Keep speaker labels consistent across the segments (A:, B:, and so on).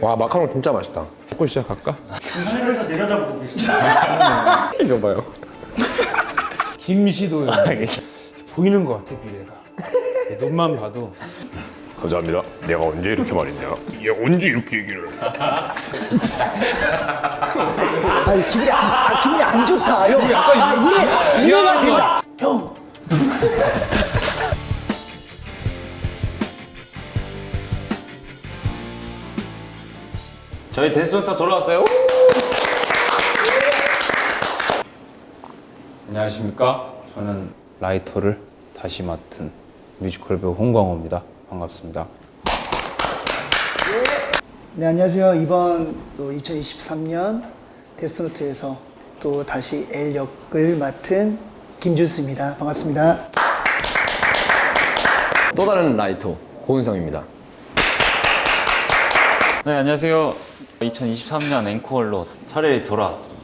A: 와, 마카롱 진짜 맛있다.
B: 먹고 시작할까?
C: 하늘에서 내려다보고 계시죠?
A: 이거 봐요.
B: 김시도요. 보이는 것 같아 미래가. 눈만 봐도.
A: 감사합니다. 내가 언제 이렇게 말했냐? 얘 언제 이렇게 얘기를?
D: 아니 기분이 안 좋다. 형. 이해가 된다. 형.
E: 저희 데스노트 돌아왔어요.
B: 안녕하십니까? 저는 라이터를 다시 맡은 뮤지컬 배우 홍광호입니다. 반갑습니다.
D: 네, 안녕하세요. 이번 또 2023년 데스노트에서 또 다시 L 역을 맡은 김준수입니다. 반갑습니다.
A: 또 다른 라이터 고은성입니다.
E: 네, 안녕하세요. 2023년 앵콜로 차례히 돌아왔습니다.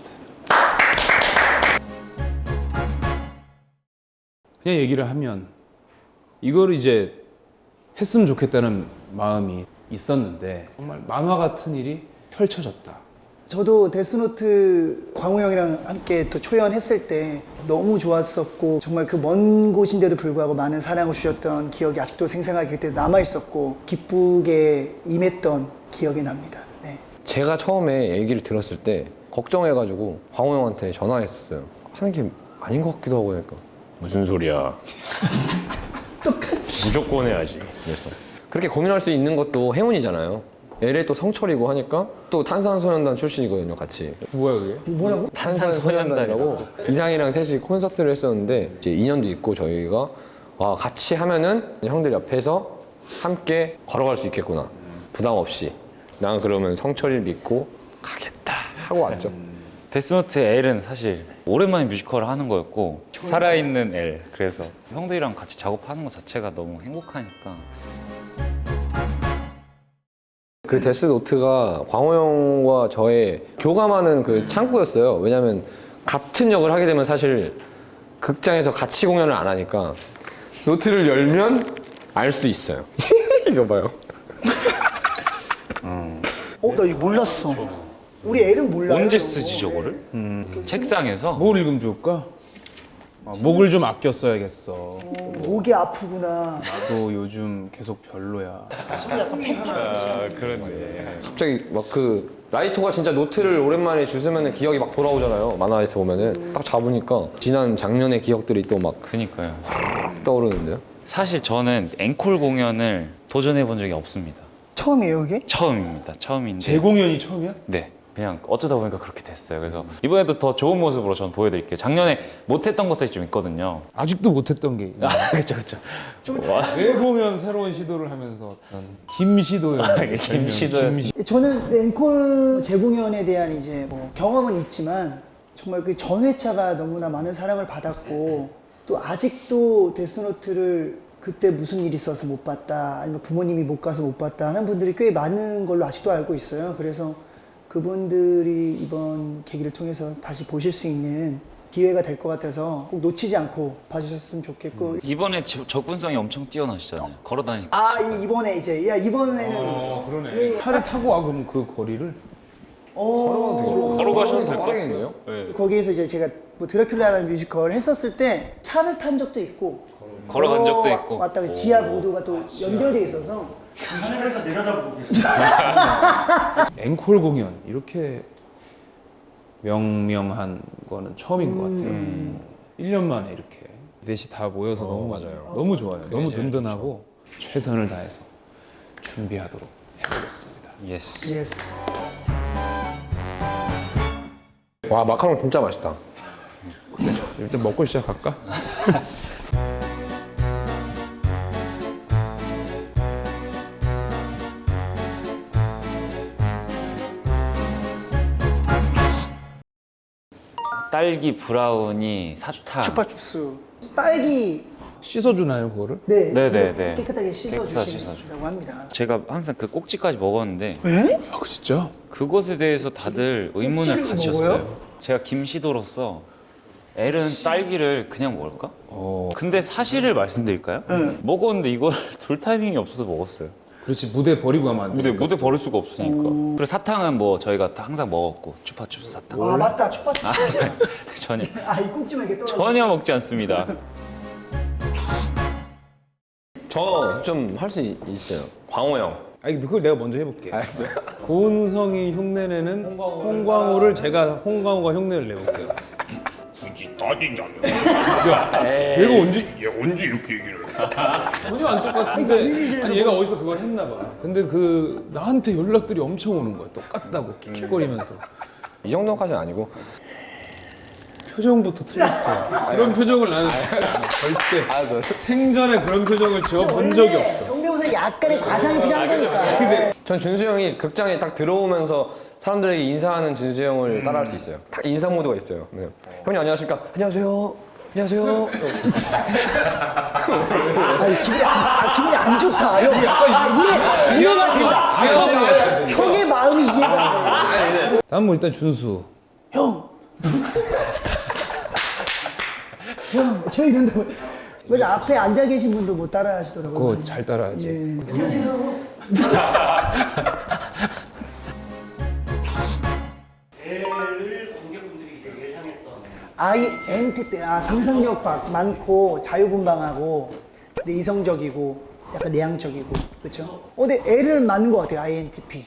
B: 그냥 얘기를 하면 이걸 이제 했으면 좋겠다는 마음이 있었는데 정말 만화 같은 일이 펼쳐졌다.
D: 저도 데스노트 광호 형이랑 함께 또 초연했을 때 너무 좋았었고 정말 그 먼 곳인데도 불구하고 많은 사랑을 주셨던 기억이 아직도 생생하게 그때 남아있었고 기쁘게 임했던 기억이 납니다. 네.
A: 제가 처음에 얘기를 들었을 때 걱정해가지고 광호 형한테 전화했었어요. 하는 게 아닌 것 같기도 하고 하니까 무슨 소리야. 무조건 해야지. 그래서 그렇게 고민할 수 있는 것도 행운이잖아요. LA 또 성철이고 하니까 또 탄산소년단 출신이거든요, 같이.
B: 뭐야 그게?
D: 뭐라고?
A: 탄산소년단이라고 이상이랑 셋이 콘서트를 했었는데 이제 인연도 있고 저희가 와 같이 하면은 형들 옆에서 함께 걸어갈 수 있겠구나. 부담 없이. 난 그러면 성철이를 믿고 가겠다 하고 왔죠.
E: 데스노트 L은 사실 오랜만에 뮤지컬을 하는 거였고 살아있는 L. 그래서 형들이랑 같이 작업하는 것 자체가 너무 행복하니까.
A: 그 데스노트가 광호 형과 저의 교감하는 그 창구였어요. 왜냐면 같은 역을 하게 되면 사실 극장에서 같이 공연을 안 하니까 노트를 열면 알 수 있어요. 이거 봐요.
D: 나 이거 몰랐어. 우리 L은 몰라요.
E: 언제 쓰지 저거를? 책상에서?
B: 뭘 읽으면 좋을까? 목을 좀 아껴 써야겠어.
D: 목이 아프구나.
B: 나도 요즘 계속 별로야.
A: 갑자기 막 그 라이터가 진짜 노트를 오랜만에 주스면은 기억이 막 돌아오잖아요. 만화에서 보면은 딱 잡으니까 지난 작년의 기억들이 또 막
E: 그니까요.
A: 떠오르는데요.
E: 사실 저는 앵콜 공연을 도전해 본 적이 없습니다.
D: 처음이에요 이게?
E: 처음입니다. 처음인데.
B: 재공연이 처음이야?
E: 네. 그냥 어쩌다 보니까 그렇게 됐어요. 그래서 이번에도 더 좋은 모습으로 전 보여드릴게요. 작년에 못했던 것들이 좀 있거든요.
B: 아직도 못했던 게 있네.
E: 그쵸, 그쵸.
B: 재공연 새로운 시도를 하면서 어떤 김시도요.
E: 김시도요.
D: 저는 앵콜 재공연에 대한 이제 뭐 경험은 있지만 정말 그 전회차가 너무나 많은 사랑을 받았고 또 아직도 데스노트를 그때 무슨 일이 있어서 못 봤다 아니면 부모님이 못 가서 못 봤다 하는 분들이 꽤 많은 걸로 아직도 알고 있어요. 그래서 그분들이 이번 계기를 통해서 다시 보실 수 있는 기회가 될 것 같아서 꼭 놓치지 않고 봐주셨으면 좋겠고
E: 이번에 접근성이 엄청 뛰어나시잖아요. 걸어다니까.
D: 이번에 이제 이번에는
B: 그러네. 차를 타고 와 그럼 그 거리를?
E: 걸어가셔도 될 것
A: 빠르겠는데요?
E: 같아요.
D: 거기에서 이제 제가 뭐 드라큘라라는 뮤지컬 했었을 때 차를 탄 적도 있고
E: 걸어간 적도 있고.
D: 왔다가 지하 보도가 또 연결돼 있어서
C: 하늘에서 내려다보고 계시죠?
B: 앵콜 공연 이렇게 명명한 거는 처음인 것 같아요. 1년 만에 이렇게 넷이 다 모여서 너무
A: 맞아요.
B: 너무 좋아요. 너무 든든하고 최선을 다해서 준비하도록 해보겠습니다.
E: 예스.
D: 예스.
A: 와 마카롱 진짜 맛있다.
B: 일단 먹고 시작할까?
E: 딸기 브라우니 사탕.
D: 추파춥스 딸기
B: 씻어주나요 그거를?
E: 네네네.
D: 깨끗하게
E: 깨끗하게
D: 씻어주신다고 합니다.
E: 제가 항상 그 꼭지까지 먹었는데
D: 에?
B: 아 진짜?
E: 그것에 대해서 다들 의문을
D: 꼭지를
E: 가지셨어요.
D: 먹어요?
E: 제가 김시도로서 L은 딸기를 그냥 먹을까? 근데 사실을 말씀드릴까요?
D: 네.
E: 먹었는데 이걸 둘 타이밍이 없어서 먹었어요.
B: 그렇지 무대 버리고 가면 안 돼.
E: 무대 버릴 수가 없으니까. 그리고 사탕은 뭐 저희가 다 항상 먹었고 추파춥스 사탕.
D: 아 맞다 추파추스.
E: 전혀
D: 아이 꼭지만 이렇게 떨어져.
E: 전혀 먹지 않습니다.
A: 저 좀 할 수 있어요. 광호 형.
B: 아니 그걸 내가 먼저 해볼게.
A: 알았어요.
B: 고은성이 흉내내는 홍광호를 제가 홍광호가 흉내를 내볼게요.
F: 굳이 따지자면
B: 얘가 언제
F: 언제 이렇게 얘기를 해?
B: 전혀 안 똑같은데 아니, 얘가 어디서 그걸 했나 봐. 근데 그 나한테 연락들이 엄청 오는 거야. 똑같다고 킥킥거리면서.
A: 이 정도까지는 아니고.
B: 표정부터 틀렸어. 그런 표정을 나는 진짜 절대
A: 알았어.
B: 생전에 그런 표정을 지어본 적이 없어.
D: 성대모사 약간의 과장이 필요한 거니까.
A: 전 준수 형이 극장에 딱 들어오면서 사람들에게 인사하는 준수 형을 따라할 수 있어요. 딱 인사 모드가 있어요. 네. 형님 안녕하십니까? 안녕하세요. 안녕하세요.
D: 기분이 안 좋다. 형. 이해가 된다. 형의 마음이 이해가 돼.
B: 다음 뭐 일단 준수.
D: 형, 저 이런다고. 맞아, 앞에 앉아 계신 분도 못 따라 하시더라고요.
B: 그거 잘 따라하지.
D: 안녕하세요.
C: 애를 관객분들이 이제 예상했던
D: INTP, 상상력 많고 자유분방하고 근데 이성적이고 약간 내향적이고 그렇죠? 근데 애를 낳는 것 같아요 INTP.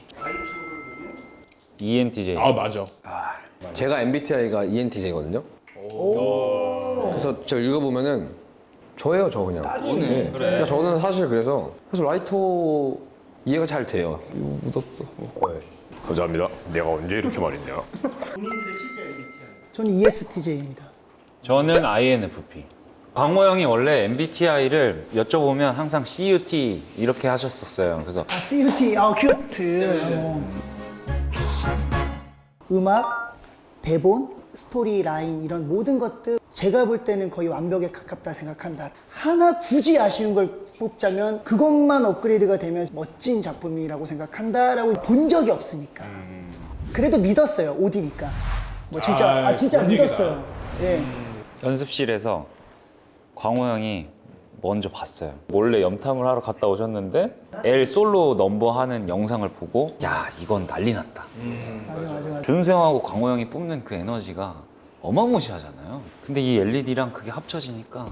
E: ENTJ.
B: 아 맞아.
A: 제가 MBTI가 ENTJ거든요. 그래서 저 읽어보면은 저예요, 저 그냥. 네. 그러니까 저는 사실 그래서 라이터 이해가 잘 돼요.
B: 묻었어.
F: 감사합니다. 내가 언제 이렇게 말했냐?
C: 본인들의 실제 MBTI.
D: 저는 ESTJ입니다.
E: 저는 INFP. 광호 형이 원래 MBTI를 여쭤보면 항상 CUT 이렇게 하셨었어요. 그래서
D: CUT, 큐트. 음악, 대본, 스토리 라인 이런 모든 것들 제가 볼 때는 거의 완벽에 가깝다 생각한다. 하나 굳이 아쉬운 걸 뽑자면 그것만 업그레이드가 되면 멋진 작품이라고 생각한다라고 본 적이 없으니까. 그래도 믿었어요. 오디니까. 뭐 진짜 진짜
B: 그런 얘기다.
D: 믿었어요. 예.
E: 연습실에서 광호 형이 먼저 봤어요. 몰래 염탐을 하러 갔다 오셨는데 L 솔로 넘버 하는 영상을 보고 야 이건 난리 났다.
D: 맞아.
E: 준수 형하고 광호 형이 뿜는 그 에너지가 어마무시하잖아요. 근데 이 LED랑 그게 합쳐지니까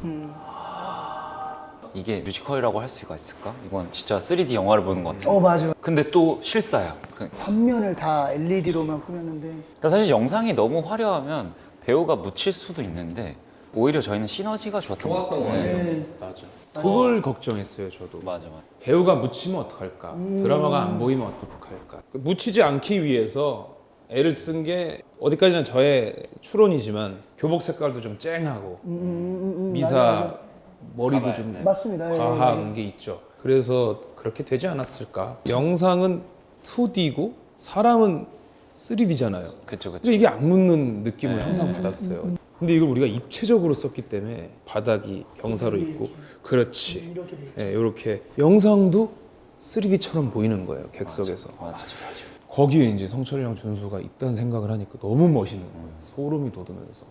E: 이게 뮤지컬이라고 할 수가 있을까? 이건 진짜 3D 영화를 보는 것 같아요.
D: 맞아.
E: 근데 또 실사야. 그러니까
D: 3면을 다 LED로만 꾸몄는데
E: 사실 영상이 너무 화려하면 배우가 묻힐 수도 있는데 오히려 저희는 시너지가 좋았던 것 같아요.
D: 네.
B: 맞아. 그걸 걱정했어요 저도.
E: 맞아.
B: 배우가 묻히면 어떡할까? 드라마가 안 보이면 어떡할까? 묻히지 않기 위해서 애를 쓴 게 어디까지나 저의 추론이지만 교복 색깔도 좀 쨍하고 미사
D: 맞아.
B: 머리도 좀
D: 맞습니다. 예,
B: 과한 게 있죠. 그래서 그렇게 되지 않았을까? 영상은 2D고 사람은 3D잖아요.
E: 그쵸.
B: 근데 이게 안 묻는 느낌을 항상 받았어요. 근데 이걸 우리가 입체적으로 썼기 때문에 바닥이 경사로 있고 그렇지.
D: 이렇게 돼 있죠.
B: 네, 이렇게 영상도 3D처럼 보이는 거예요 객석에서.
E: 맞아.
B: 거기에 이제 성철이랑 준수가 있다는 생각을 하니까 너무 멋있는 거예요. 소름이 돋으면서.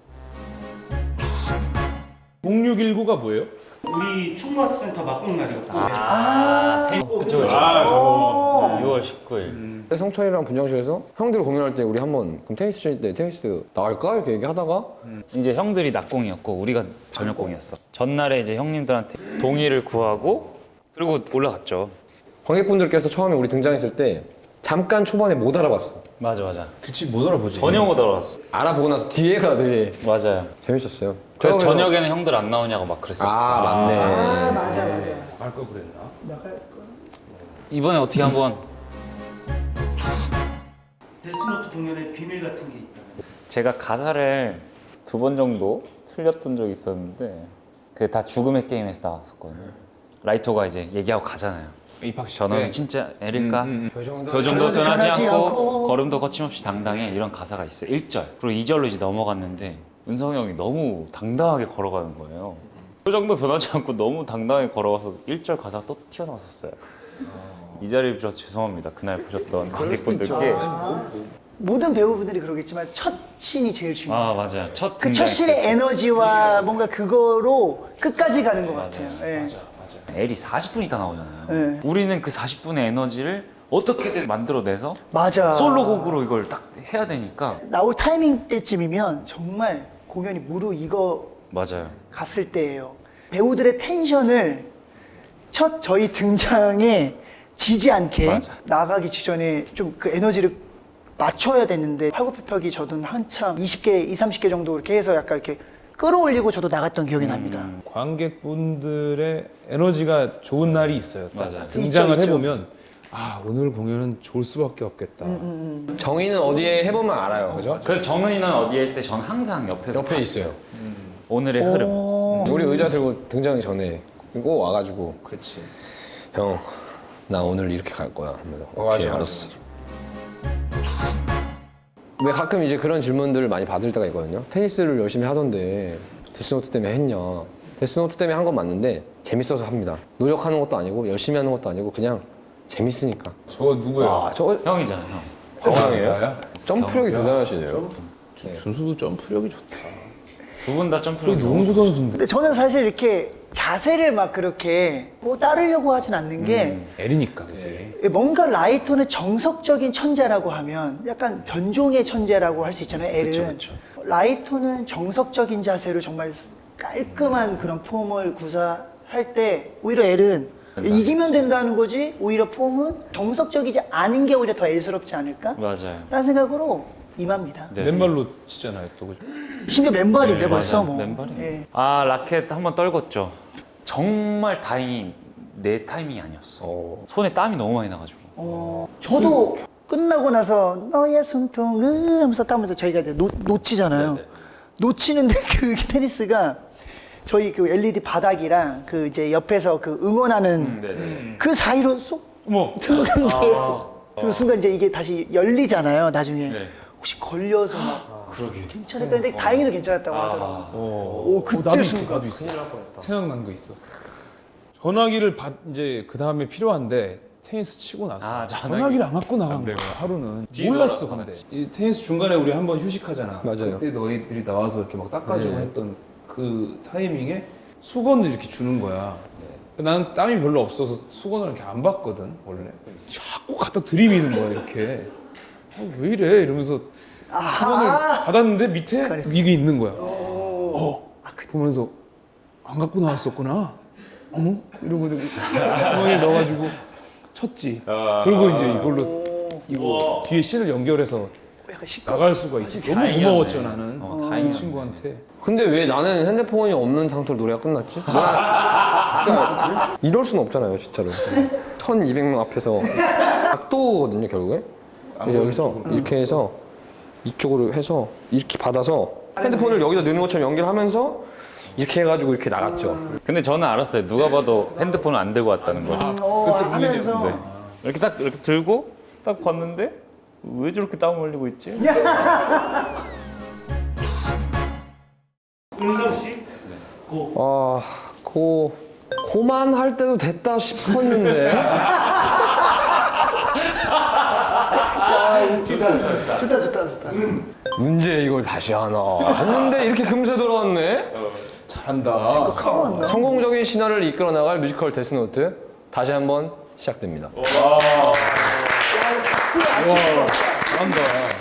B: 0619가 뭐예요?
C: 우리 충무아트센터 막공날이었고
E: 그쵸. 6월 19일.
A: 성철이랑 분장실에서 형들 공연할 때 우리 한번 그럼 테니스 칠 때 테니스 나갈까? 이렇게 얘기하다가
E: 이제 형들이 낮공이었고 우리가 저녁공이었어. 전날에 이제 형님들한테 동의를 구하고 그리고 올라갔죠.
A: 관객분들께서 처음에 우리 등장했을 때 잠깐 초반에 못 알아봤어.
E: 맞아.
B: 그치 못 알아보지.
E: 전혀 못 알아봤어.
A: 알아보고 나서 뒤에가 되게
E: 맞아요.
A: 재밌었어요.
E: 그래서
A: 저
E: 저녁에는 형들 안 나오냐고 막 그랬었어.
A: 맞네.
D: 맞아.
B: 나갈 걸 그랬나?
D: 나갈 거.
E: 이번에 어떻게 한번
C: 데스노트 공연에 비밀 같은 게 있다.
E: 제가 가사를 2번 정도 틀렸던 적이 있었는데 그게 다 죽음의 게임에서 나왔었거든요. 라이터가 이제 얘기하고 가잖아요.
B: 입학식
E: 저놈이
B: 때.
E: 진짜 애릴까?
A: 표정도
E: 표정도 떠나지
D: 떠나지
E: 않고
D: 않고.
E: 걸음도 거침없이 당당해 이런 가사가 있어요. 1절 그리고 2절로 이제 넘어갔는데 은성이 형이 너무 당당하게 걸어가는 거예요. 표정도 변하지 않고 너무 당당하게 걸어가서 1절 가사가 또 튀어나왔었어요. 이 자리를 빌어서 죄송합니다. 그날 보셨던 관객분들께.
D: 모든 배우분들이 그러겠지만 첫 씬이 제일 중요해요.
E: 아 맞아요. 첫
D: 그
E: 등장.
D: 첫 씬의 에너지와 뭔가 그거로 끝까지 가는 것 같아요. 예.
E: L이 40분 있다 나오잖아요.
D: 네.
E: 우리는 그 40분의 에너지를 어떻게든 만들어내서
D: 맞아.
E: 솔로곡으로 이걸 딱 해야 되니까.
D: 나올 타이밍 때쯤이면 정말 공연이 무르익어
E: 맞아요.
D: 갔을 때예요. 배우들의 텐션을 첫 저희 등장에 지지 않게
E: 맞아.
D: 나가기 직전에 좀 그 에너지를 맞춰야 됐는데 팔굽혀펴기 저도 한참 20개, 20, 30개 정도 이렇게 해서 약간 이렇게 끌어올리고 저도 나갔던 기억이 납니다.
B: 관객분들의 에너지가 좋은 날이 있어요. 또.
E: 맞아요.
B: 등장을
D: 있죠, 있죠.
B: 해보면 아 오늘 공연은 좋을 수밖에 없겠다.
A: 정의는 어디에 해보면 알아요, 그죠?
E: 그래서 정은이는 어디에 할 때 저는 항상 옆에서
A: 옆에
E: 봤어요.
A: 있어요.
E: 오늘의 흐름.
A: 우리 의자 들고 등장하기 전에 꼭 와가지고
B: 그렇지.
A: 형, 나 오늘 이렇게 갈 거야. 하면서
B: 맞아,
A: 오케이,
B: 맞아.
A: 알았어. 왜 가끔 이제 그런 질문들을 많이 받을 때가 있거든요. 테니스를 열심히 하던데 데스노트 때문에 했냐? 데스노트 때문에 한 건 맞는데 재밌어서 합니다. 노력하는 것도 아니고 열심히 하는 것도 아니고 그냥 재밌으니까.
B: 저거 누구야?
A: 아, 저
E: 형이잖아요, 형.
A: 광황이에요?
B: 나야?
A: 점프력이 대단하시네요.
B: 준수도 점프력이 좋다.
E: 두 분 다
B: 그
E: 점프력이
B: 농구 선수인데.
D: 근데 저는 사실 이렇게 자세를 막 그렇게 뭐 따르려고 하진 않는 게
B: L이니까 그지.
D: 뭔가 라이토는 정석적인 천재라고 하면 약간 변종의 천재라고 할 수 있잖아요. L은 라이토는 정석적인 자세로 정말 깔끔한 그런 폼을 구사할 때 오히려 L은 이기면 된다는 거지 오히려 폼은 정석적이지 않은 게 오히려 더 L스럽지 않을까?
E: 맞아요.
D: 라는 생각으로 임합니다.
E: 네.
B: 맨발로 치잖아요, 또 그죠?
D: 심지어 맨발인데
E: 네,
D: 벌써
E: 맞아요.
D: 뭐.
E: 맨발이에요.
D: 예.
E: 아 라켓 한번 떨궜죠. 정말 다행히 내 타이밍이 아니었어. 손에 땀이 너무 많이 나가지고.
D: 저도 끝나고 나서 너의 숨통을 하면서 따면서 저희가 이제 놓치잖아요.
E: 네네.
D: 놓치는데 그 테니스가 저희 그 LED 바닥이랑 그 이제 옆에서 그 응원하는
E: 네네.
D: 그 사이로 쏙
B: 어머.
D: 들어간 게 그 순간 이제 이게 다시 열리잖아요. 나중에
E: 네.
D: 혹시 걸려서 막
E: 그러게.
D: 괜찮을까 근데 다행히도 괜찮았다고 하더라고요. 오 그때
B: 나도 있어,
D: 순간
B: 나도 있어. 생각난 거 있어. 전화기를 이제 그 다음에 필요한데 테니스 치고 나서
E: 아,
B: 전화기를 안 갖고 나간 거야. 하루는 몰랐어 근데 이 테니스 중간에 우리 한번 휴식하잖아.
A: 맞아요.
B: 그때 너희들이 나와서 이렇게 막 닦아주고 했던 그 타이밍에 수건을 이렇게 주는 거야. 나는 땀이 별로 없어서 수건을 이렇게 안 받거든 원래. 자꾸 갖다 들이미는 거야 이렇게. 왜 이래 이러면서 수건을 받았는데 밑에 이게 있는 거야. 보면서 안 갖고 나왔었구나. 이러고 주머니에 넣어가지고 쳤지. 그리고 이제 이걸로 이거 뒤에 씬을 연결해서
D: 약간 시끄러.
B: 나갈 수가 있어. 너무
E: 다행이었네.
B: 고마웠죠 나는.
E: 다행이었네.
B: 친구한테.
A: 근데 왜 나는 핸드폰이 없는 상태로 노래가 끝났지? 그러니까 이럴 순 없잖아요, 진짜로. 1200명 앞에서 각도거든요, 결국에. 그래서 여기서 이렇게 해서 이쪽으로 해서 이렇게 받아서 핸드폰을 여기다 넣는 것처럼 연결하면서 이렇게 해가지고 이렇게 나갔죠.
E: 근데 저는 알았어요. 누가 봐도 핸드폰을 안 들고 왔다는 걸.
D: 하면서
E: 네. 이렇게 딱 이렇게 들고 딱 봤는데 왜 저렇게 땀 흘리고 있지?
C: 은성 씨?
A: 아, 고만 할 때도 됐다 싶었는데.
D: 좋다.
A: 문제 이걸 다시 하나 했는데 이렇게 금세 돌아왔네.
B: 잘한다.
D: 하고 왔나?
A: 성공적인 신화를 이끌어 나갈 뮤지컬 데스노트 다시 한번 시작됩니다.
B: 잘한다.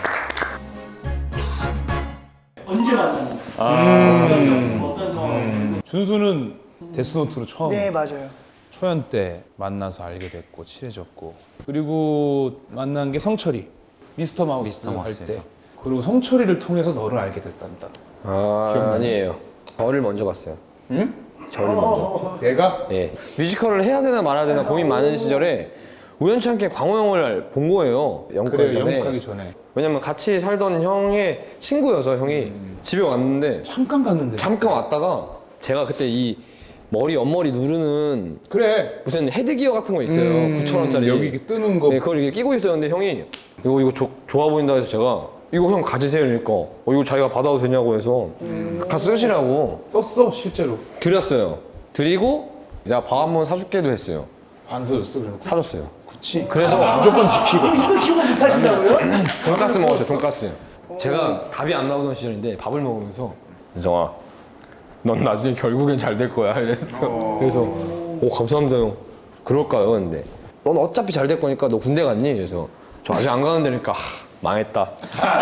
C: 언제 만났나요? 어떤 상황?
B: 준수는 데스노트로 처음
D: 네 맞아요.
B: 초연 때 만나서 알게 됐고 친해졌고 그리고 만난 게 성철이 미스터 마우스
E: 미스터
B: 할
E: 마우스에서.
B: 때 그리고 성철이를 통해서 너를 알게 됐단다.
A: 아, 아니에요. 저를 먼저 봤어요.
B: 응?
A: 저를 먼저.
B: 내가?
A: 예. 뮤지컬을 해야 되나 말아야 되나 고민 많은 시절에 우연치 않게 광호 형을 본 거예요. 영국하기
B: 그래
A: 전에.
B: 영국하기 전에
A: 왜냐면 같이 살던 형의 친구여서 형이 집에 왔는데
B: 잠깐 갔는데.
A: 잠깐 왔다가 제가 그때 이 머리 옆머리 누르는
B: 그래.
A: 무슨 헤드기어 같은 거 있어요. 9,000원짜리.
B: 여기 이렇게 뜨는 거.
A: 네, 그걸 이렇게 끼고 있었는데 형이 이거 좋아 보인다 해서 제가 이거 형 가지세요 이러니까 이거 자기가 받아도 되냐고 해서 다 쓰시라고
B: 썼어 실제로.
A: 드렸어요. 드리고 내가 밥 한 번 사줄게도 했어요.
B: 안 써줬어 그래.
A: 사줬어요.
B: 그치.
A: 그래서
B: 무조건 지키고.
D: 이걸 기억 못 하신다고요?
A: 돈가스 먹었어요. 돈가스. 제가 답이 안 나오던 시절인데 밥을 먹으면서 은성아 넌 나중에 결국엔 잘 될 거야 이랬어. 그래서 오 감사합니다 형. 그럴까요? 근데 넌 어차피 잘 될 거니까 너 군대 갔니? 그래서 저 아직 안 가는 데니까 망했다.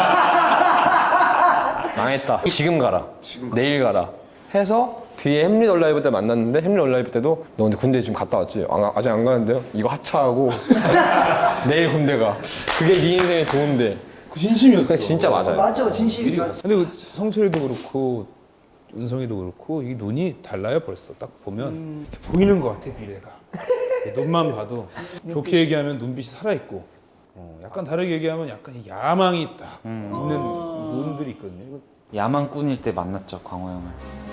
A: 망했다. 지금 가라. 내일 가라. 해서 뒤에 햄릿 얼라이브 때 만났는데 햄릿 얼라이브 때도 너 근데 군대 지금 갔다 왔지? 아직 안 가는데요? 이거 하차하고 내일 군대 가. 그게 네 인생의 도움돼.
B: 그 진심이었어.
A: 그게 진짜 맞아요.
D: 맞아, 진실이 맞아.
B: 근데 그 성철이도 그렇고 은성이도 그렇고 이 눈이 달라요 벌써 딱 보면 이렇게 보이는 것 같아 미래가. 눈만 봐도 좋게 얘기하면 눈빛이 살아 있고 약간 다르게 얘기하면 약간 이 야망이 딱 있는 눈들이 있거든요. 이거
E: 야망꾼일 때 만났죠 광호 형을.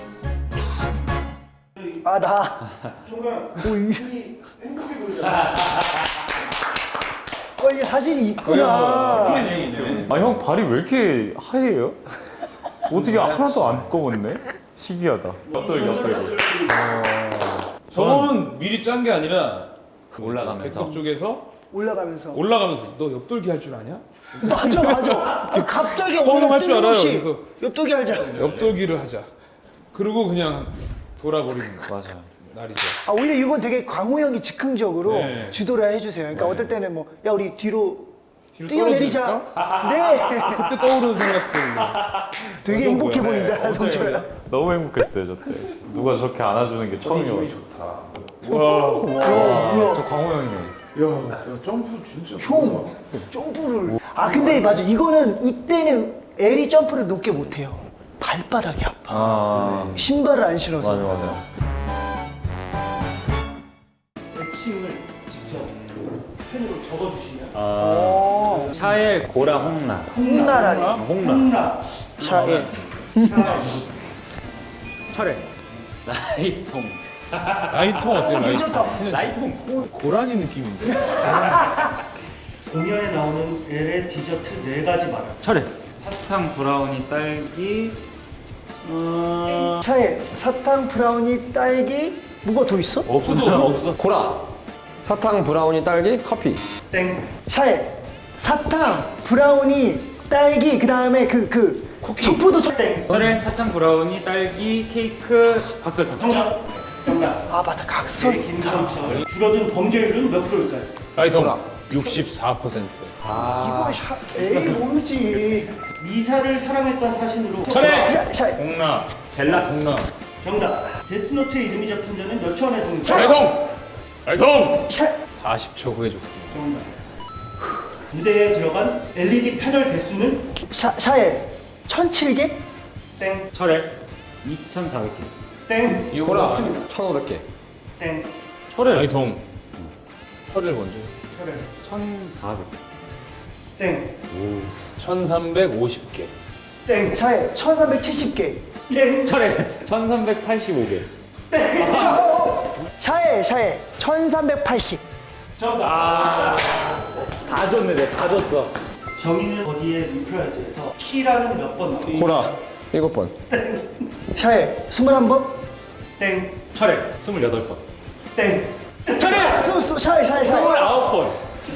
D: 아, 나.
C: 정말
D: 오, 이,
C: 행복해 보이잖아.
D: 이게 사진이 있구나.
E: 아 형 발이 왜 이렇게 하얘요? 어떻게 하나도 안 검었네? 신기하다. 엎드기.
B: 저거는 미리 짠 게 아니라 그
E: 올라가면서.
B: 백석 쪽에서
D: 올라가면서.
B: 너 옆돌기 할 줄 아냐?
D: 맞아. 갑자기
B: 형 할 줄 알아요.
D: 뜬금없이
B: 그래서
D: 옆도기 하자.
B: 옆돌기를 하자. 그리고 그냥 돌아버리는
E: 맞아요.
B: 날이죠.
D: 아, 오히려 이건 되게 광호 형이 즉흥적으로
B: 네.
D: 주도를 해주세요. 그러니까 어떨 때는 뭐, 야, 우리 뒤로
B: 뒤로
D: 뛰어내리자. 네.
B: 그때 떠오르는 생각들.
D: 되게 행복해
E: 네,
D: 보인다, 성철아.
E: 너무 행복했어요 저 때. 누가 저렇게 안아주는 게 처음이어가지고.
B: 와,
E: 저 광호 형이네.
B: 야, 점프 진짜.
D: 형, 점프를. 아, 근데 맞아. 이거는 이때는 엘이 점프를 높게 못해요. 발바닥이 아파.
E: 아
D: 신발을 안 신어서.
E: 맞아.
C: 애칭을 직접 펜으로 적어주시면
D: 어,
E: 샤엘 고라 홍라.
D: 홍나라리.
C: 홍라,
D: 샤엘.
C: 차례,
E: 라이통.
B: 라이통 어때요? 라이통?
D: 괜찮다.
E: 라이통.
B: 고라니 느낌인데.
C: 공연에 나오는 L의 디저트 4가지 말아.
E: 차례. 사탕 브라우니 딸기.
D: 샤엘, 사탕, 브라우니, 딸기. 뭐가 더 있어?
E: 없어.
A: 코라. 사탕, 브라우니, 딸기, 커피.
C: 땡,
D: 샤엘, 사탕, 브라우니, 딸기. 그 다음에 쿠키. 초포도
C: 땡.
E: 차례. 사탕 브라우니 딸기 케이크 박설탕.
C: 정답.
D: 아, 맞다. 각설.
C: 김성철. 줄어든 범죄율은 몇 프로일까요?
B: 라이통 64%.
D: 이거 에이 모르지.
C: 미사를 사랑했던 사신으로.
D: 샤엘.
E: 홍라. 젤라스.
C: 정답. 데스노트의 이름이 적힌 자는 몇 초 안에 죽는다.
B: 라이통
D: 샤엘.
B: 40초 후에 죽습니다.
C: 정답. 무대에 들어간 LED 패널 개수는
D: 샤엘. 1007개?
C: 땡,
E: 차례. 2,400개.
C: 땡,
A: 코라. 1,500개.
C: 땡,
B: 철회. 라이통. 철을 먼저.
E: 1,400개.
C: 땡,
B: 1350개.
C: 땡,
D: 샤엘. 1370개.
C: 땡,
E: 차례. 1,385개.
D: 샤엘. 1380.
C: 정답.
E: 다 줬네, 내가 다 줬어.
C: 정의는 어디에 뮤프라이즈에서 키라는 몇 번 나와요?
A: 코라. 7번.
D: 샤엘. 21번?
C: 땡,
E: 차례. 28번.
C: 땡,
E: 차례.
D: 샤엘.
E: 29번.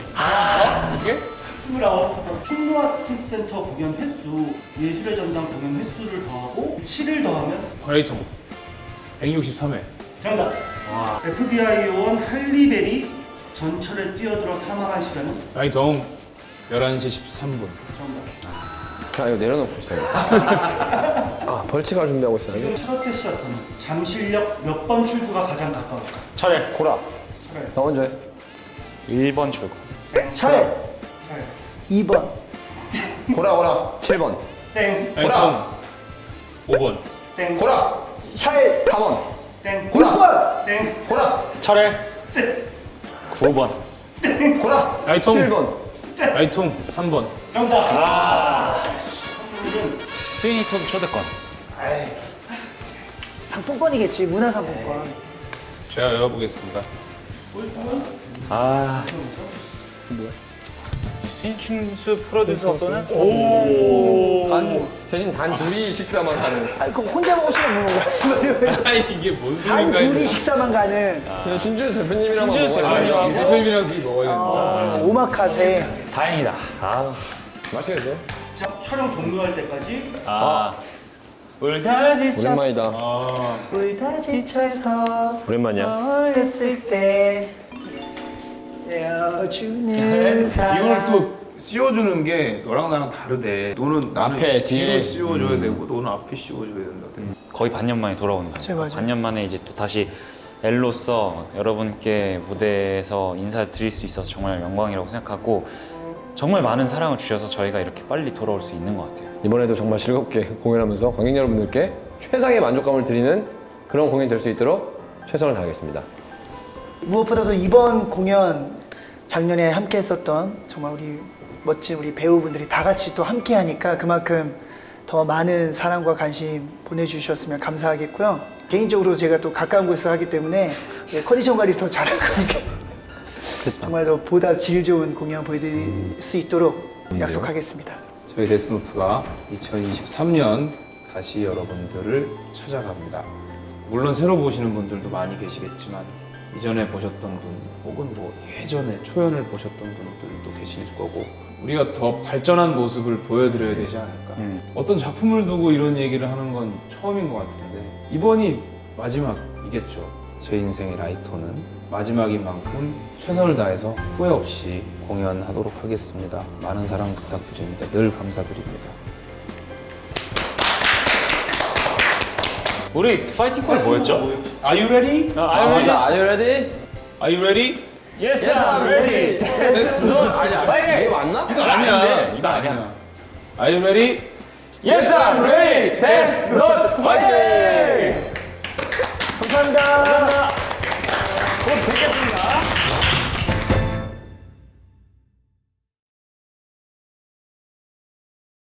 C: 29. 충무아트센터 공연 횟수, 예술의 전당 공연 횟수를 더하고 7을 더하면
B: 라이통 163회.
C: 정답. FBI 요원 할리베리 전철에 뛰어들어 사망한 시간은
B: 라이통 11시 13분.
C: 정답.
A: 자, 이거 내려놓고 있어야겠다. 아, 벌칙을 준비하고 있어야지.
C: 샤롯테 시어터는 잠실역 몇 번 출구가 가장 가까울까?
E: 차례.
A: 코라. 나 먼저 해.
E: 1번 출구.
D: 샤엘. 2번.
A: 코라. 7번.
C: 땡,
A: 코라.
B: 5번.
C: 땡,
A: 코라.
D: 샤엘.
A: 4번.
C: 땡,
A: 코라.
D: 6번.
C: 땡,
A: 코라.
E: 차례. 9번.
A: 코라.
B: 라이통.
A: 7번.
B: 라이통 3번.
C: 정답.
E: 스위니 토드 초대권.
D: 상품권이겠지. 문화상품권.
B: 제가 열어보겠습니다.
E: 아. 뭐야? 신춘수 프로듀서 쏘는
A: 대신 단 둘이 식사만 가는.
D: 아, 그럼 혼자 먹을 수는 없는 건가요?
B: 아 이게 뭔
D: 단
B: 소리인가?
D: 둘이 식사만 가는
A: 그냥 신준 대표님이랑
E: 신준수
A: 먹어야 돼.
E: 대표님.
B: 대표님이랑 둘이 먹어야 되는데.
D: 오마카세.
E: 다행이다. 아.
A: 맛있겠어요?
C: 자, 촬영 종료할 때까지
E: 아. 울다 지쳐
A: 오랜만이다.
D: 울다 지쳐서
A: 오랜만이야.
D: 했을 때 내어주는 사랑.
B: 이걸 또 씌워주는 게 너랑 나랑 다르대. 너는 나는
A: 앞에, 뒤에.
B: 뒤로 씌워줘야 되고 너는 앞에 씌워줘야 된다.
E: 거의 반년 만에 돌아오는 거죠.
D: 맞아요.
E: 반년 만에 이제 또 다시 엘로서 여러분께 무대에서 인사드릴 수 있어서 정말 영광이라고 생각하고 정말 많은 사랑을 주셔서 저희가 이렇게 빨리 돌아올 수 있는 것 같아요.
A: 이번에도 정말 즐겁게 공연하면서 관객 여러분들께 최상의 만족감을 드리는 그런 공연이 될 수 있도록 최선을 다하겠습니다.
D: 무엇보다도 이번 공연 작년에 함께 했었던 정말 우리 멋진 우리 배우분들이 다 같이 또 함께 하니까 그만큼 더 많은 사랑과 관심 보내주셨으면 감사하겠고요. 개인적으로 제가 또 가까운 곳에서 하기 때문에 컨디션 관리 더 잘할 거니까 정말 더 보다 질 좋은 공연 보여드릴 수 있도록 약속하겠습니다.
B: 저희 데스노트가 2023년 다시 여러분들을 찾아갑니다. 물론 새로 보시는 분들도 많이 계시겠지만 이전에 보셨던 분 혹은 뭐 예전에 초연을 보셨던 분들도 계실 거고 우리가 더 발전한 모습을 보여드려야 되지 않을까. 어떤 작품을 두고 이런 얘기를 하는 건 처음인 것 같은데 이번이 마지막이겠죠. 제 인생의 라이터는 마지막인 만큼 최선을 다해서 후회 없이 공연하도록 하겠습니다. 많은 사랑 부탁드립니다. 늘 감사드립니다.
E: 우리 파이팅 콜 뭐였죠?
B: Are you ready?
A: Are you ready?
B: Are you ready?
E: Yes,
A: I'm ready.
B: Yes, no.
A: 아니야. 이거 맞나?
B: 아니야.
E: 이거 아니야.
B: Are you ready?
A: Yes, I'm ready. That's not